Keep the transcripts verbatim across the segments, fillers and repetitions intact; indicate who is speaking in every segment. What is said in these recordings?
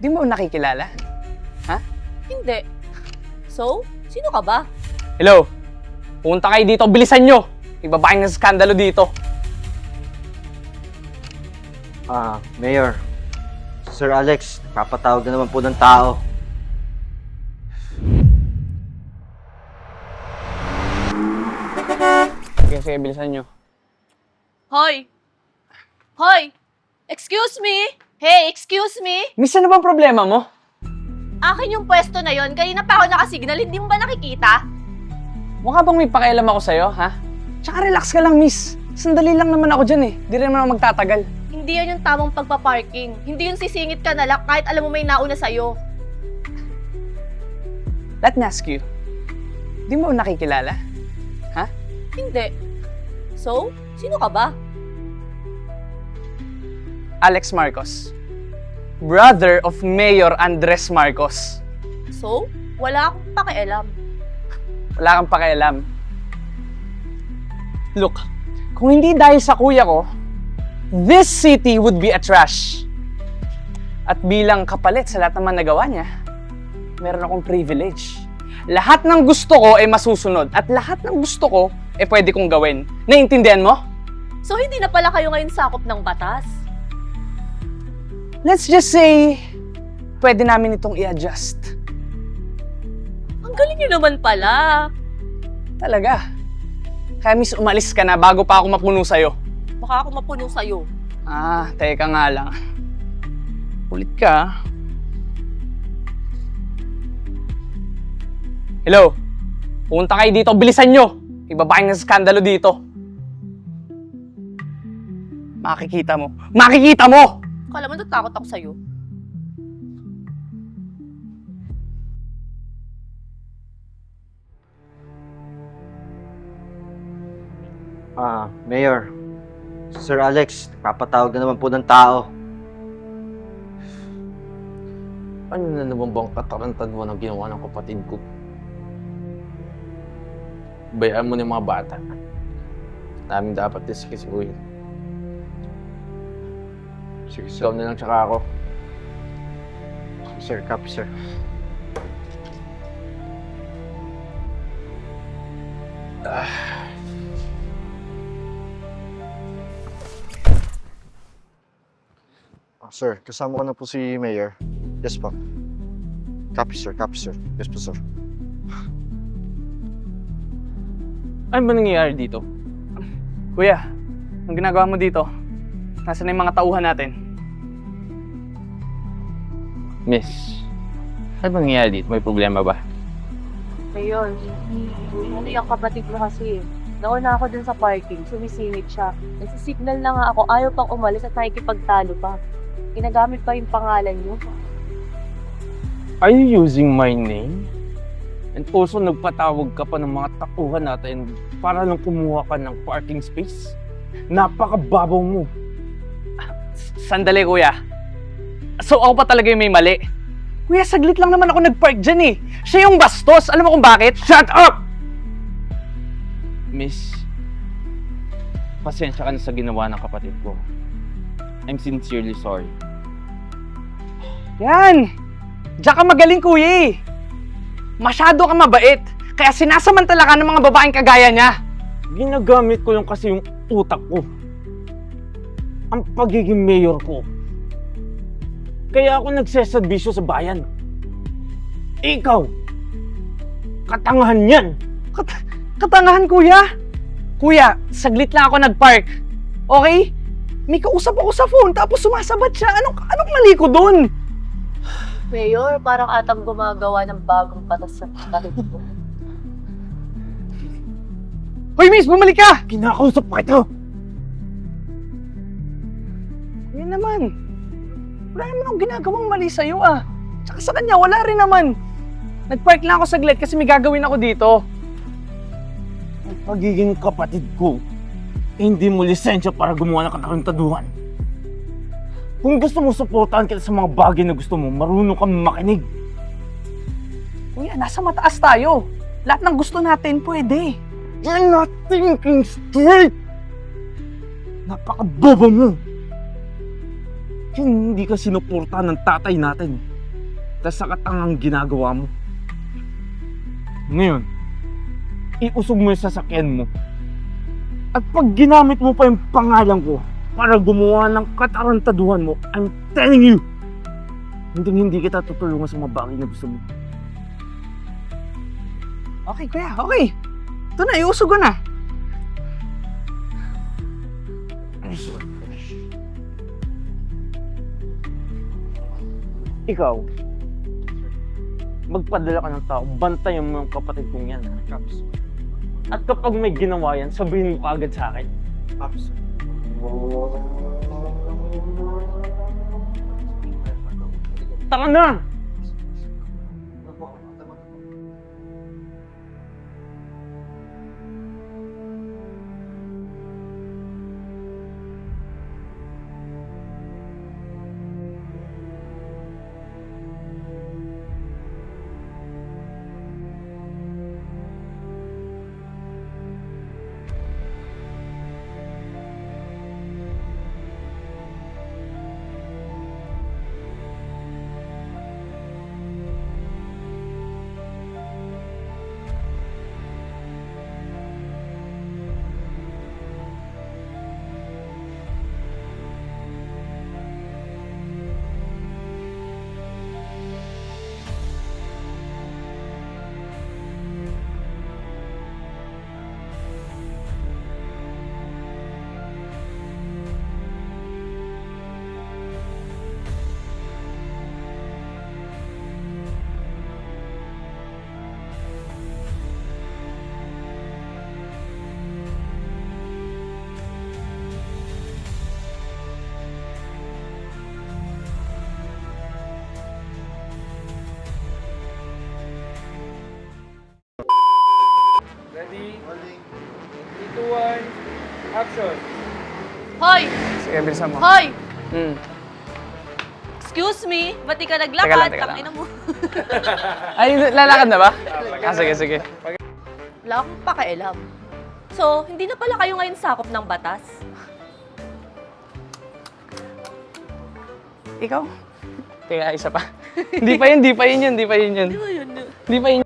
Speaker 1: Di mo nakikilala? Ha?
Speaker 2: Hindi. So, sino ka ba?
Speaker 1: Hello? Pumunta kayo dito, bilisan nyo! May babaeng na skandalo dito.
Speaker 3: Ah, Mayor. Sir Alex, papatawag na naman po ng tao.
Speaker 1: Sige, sige, bilisan nyo.
Speaker 2: Hoy! Hoy! Excuse me? Hey, excuse me?
Speaker 1: Miss, ano bang problema mo?
Speaker 2: Akin yung pwesto na yon. Kanina pa ako nakasignal, hindi mo ba nakikita?
Speaker 1: Mukha bang may pakialam ako sa'yo, ha? Tsaka relax ka lang, miss. Sandali lang naman ako dyan eh. Di rin naman ako magtatagal.
Speaker 2: Hindi yan yung tamang pagpaparking. Hindi yung sisingit ka na lang kahit alam mo may nauna sa'yo.
Speaker 1: Let me ask you. Di mo nakikilala? Ha?
Speaker 2: Hindi. So, sino ka ba?
Speaker 1: Alex Marcos. Brother of Mayor Andres Marcos.
Speaker 2: So, wala akong pakialam.
Speaker 1: Wala kang pakialam. Look, kung hindi dahil sa kuya ko, this city would be a trash. At bilang kapalit sa lahat naman nagawa niya, meron akong privilege. Lahat ng gusto ko ay masusunod at lahat ng gusto ko ay pwede kong gawin. Naiintindihan mo?
Speaker 2: So, hindi na pala kayo ngayon sakop ng batas?
Speaker 1: Let's just say, pwede namin itong i-adjust.
Speaker 2: Ang galing nyo naman pala.
Speaker 1: Talaga. Kaya miss, umalis ka na bago pa ako mapuno sa'yo.
Speaker 2: Baka ako mapuno sa'yo.
Speaker 1: Ah, teka nga lang. Ulit ka. Hello? Pumunta kayo dito, bilisan nyo! May babaeng na skandalo dito. Makikita mo. Makikita mo!
Speaker 2: Kala mo natakot ako sa'yo.
Speaker 3: Ah, Mayor. Sir Alex, papatawag na naman po ng tao.
Speaker 4: Ano na naman bang katarantan mo ng ginawa ng kapatid ko? Bayaan mo na yung mga bata. Namin dapat diskisuhin.
Speaker 3: Sige,
Speaker 4: Ikaw na lang tsaka ako.
Speaker 3: Sir, copy, sir. Ah, sir, kasama ko na po si Mayor. Yes po. Copy, sir. Copy, sir. Yes po, sir.
Speaker 1: Ano ba nangyayari dito? Kuya, ang ginagawa mo dito? Nasaan na yung mga tauhan natin?
Speaker 4: Miss, ano bang nangyayari dito? May problema ba?
Speaker 2: Ayun. Ano yung kapatid mo kasi? Nauna ako dun sa parking, sumisingit siya. Nagsisignal na nga ako, ayaw pang umalis at nakikipagtalo pa. Ginagamit pa yung pangalan niyo.
Speaker 4: Are you using my name? And also, nagpatawag ka pa ng mga tauhan natin para lang kumuha ka ng parking space? Napakababaw mo.
Speaker 1: Sandali, kuya. So, ako pa talaga yung may mali. Kuya, saglit lang naman ako nag-park dyan eh. Siya yung bastos. Alam mo kung bakit?
Speaker 4: Shut up! Miss, pasensya ka na sa ginawa ng kapatid ko. I'm sincerely sorry.
Speaker 1: Yan! Diyan ka magaling, kuya eh. Masyado ka mabait. Kaya sinasamantala ka ng mga babaeng kagaya niya.
Speaker 4: Ginagamit ko lang kasi yung utak ko. Ang pagiging mayor ko. Kaya ako nagseservisyo sa bayan. Ikaw, katangahan yan.
Speaker 1: Kat katangahan, kuya. Kuya, saglit lang ako nag-park. Okay? May kausap ako sa phone tapos sumasabat siya. Anong, anong mali ko dun?
Speaker 2: Mayor, parang atang gumagawa ng bagong batas sa kapatid ko.
Speaker 1: Hoy, miss! Bumalik ka!
Speaker 4: Kinakausap pa ito.
Speaker 1: Yan naman. Wala naman akong ginagawang mali sa'yo ah. Tsaka sa kanya, wala rin naman. Nag-park lang ako saglit kasi may gagawin ako dito.
Speaker 4: Ang pagiging kapatid ko, eh, hindi mo lisensya para gumawa ng katarantaduhan. Kung gusto mo suportahan kita sa mga bagay na gusto mo, marunong kang makinig.
Speaker 1: Kuya, nasa mataas tayo. Lahat ng gusto natin pwede.
Speaker 4: You're not thinking straight! Napakabobo mo! Hindi ka sinuportahan ng tatay natin. tas sa katangang ginagawa mo. Ngayon, iusog mo yung sasakyan mo. At pag ginamit mo pa yung pangalan ko para gumawa ng katarantaduhan mo, I'm telling you, hindi hindi kita tutulungan sa mga bagay na gusto mo.
Speaker 1: Okay, kuya, okay. Ito na, iusog ko na.
Speaker 4: Ikaw, magpadala ka ng tao, bantayan mo yung kapatid kong yan.
Speaker 3: Caps.
Speaker 4: At kapag may ginawa yan, sabihin mo agad sa akin.
Speaker 3: Caps, sir.
Speaker 4: Tara na!
Speaker 1: Ready? three, two, one, action!
Speaker 2: Hoy!
Speaker 1: Sige, bilisan mo.
Speaker 2: Hoy!
Speaker 1: Hmm.
Speaker 2: Excuse me, ba't di ka
Speaker 1: Teka
Speaker 2: naglakad?
Speaker 1: lang, teka lang.
Speaker 2: Tangina mo.
Speaker 1: Ay, lalakad na ba? Ah, sige, sige.
Speaker 2: Wala akong pakialam. So, hindi na pala kayo ngayon sakop ng batas?
Speaker 1: Ikaw? Teka, isa pa. Hindi pa yun, hindi pa yun yun, hindi pa yun yun.
Speaker 2: Di ba yun?
Speaker 1: Hindi pa yun.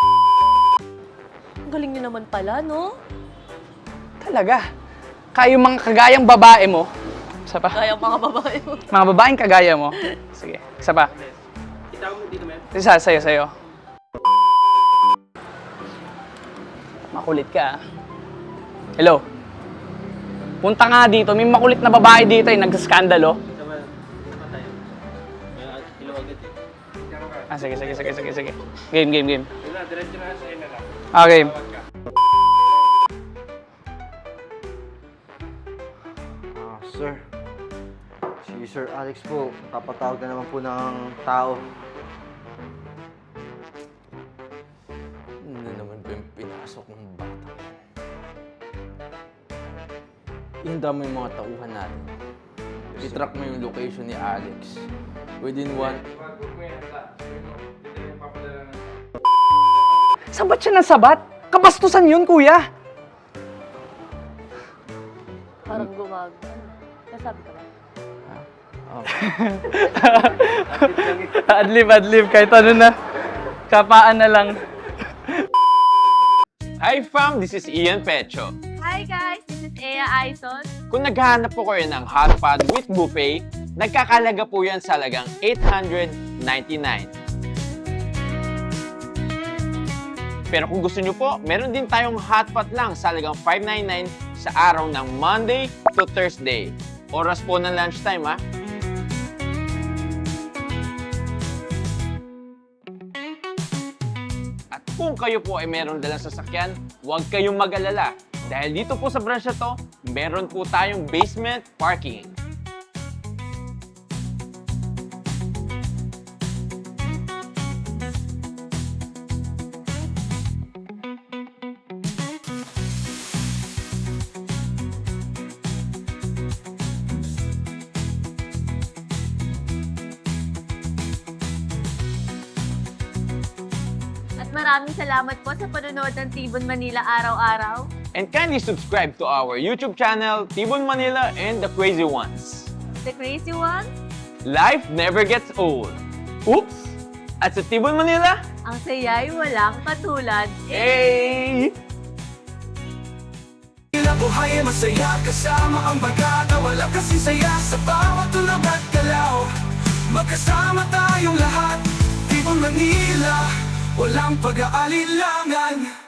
Speaker 2: Ang galing nyo naman pala, no?
Speaker 1: Talaga. Kaya yung mga kagayang babae mo. Isa pa.
Speaker 2: Kaya mga babae mo.
Speaker 1: Mga babaeng kagaya mo. Sige, isa pa. Isa, sa'yo, sa'yo. Makulit ka, ah. Hello? Punta nga dito. May makulit na babae dito eh. Nagsaskandalo. Ah, sige, sige, sige, sige, sige. Game, game, game. Ah, game.
Speaker 3: Ah, sir. Si Sir Alex po, kapatawag na naman po ng tao.
Speaker 4: Ano na naman ba yung pinasok ng bata? Ihanda mo yung mga tauhan natin. I-track mo yung location ni Alex. Within one...
Speaker 1: Sabat siya ng sabat? Kabastusan yun, kuya.
Speaker 2: Parang gumag. Nasabi ka ba?
Speaker 1: Adlib, adlib. Kahit ano na. Kapaan na lang.
Speaker 5: Hi fam, this is Ian Pecho.
Speaker 2: Hi guys, this is Ea Aizon.
Speaker 5: Kung naghahanap po kayo ng hot pot with buffet, nagkakalaga po yan sa halagang eight hundred ninety-nine. Pero kung gusto nyo po, meron din tayong hot pot lang sa halagang five ninety-nine sa araw ng Monday to Thursday. Oras po ng lunchtime, ha? At kung kayo po ay meron dalang sasakyan, huwag kayong mag-alala. Dahil dito po sa branch na to, meron po tayong basement parking.
Speaker 2: At maraming salamat po sa panonood ng Tibon Manila araw-araw.
Speaker 5: And kindly subscribe to our YouTube channel, Tibon Manila and the Crazy Ones.
Speaker 2: The Crazy Ones.
Speaker 5: Life never gets old. Oops! At sa Tibon, Manila,
Speaker 2: Ang saya'y walang katulad.
Speaker 5: hey!
Speaker 6: Tila buhay ay masaya kasama ang bagata. Wala kasing saya sa bawat tulog at galaw. Magkasama tayong lahat, Tibon Manila, walang pag-aalilangan.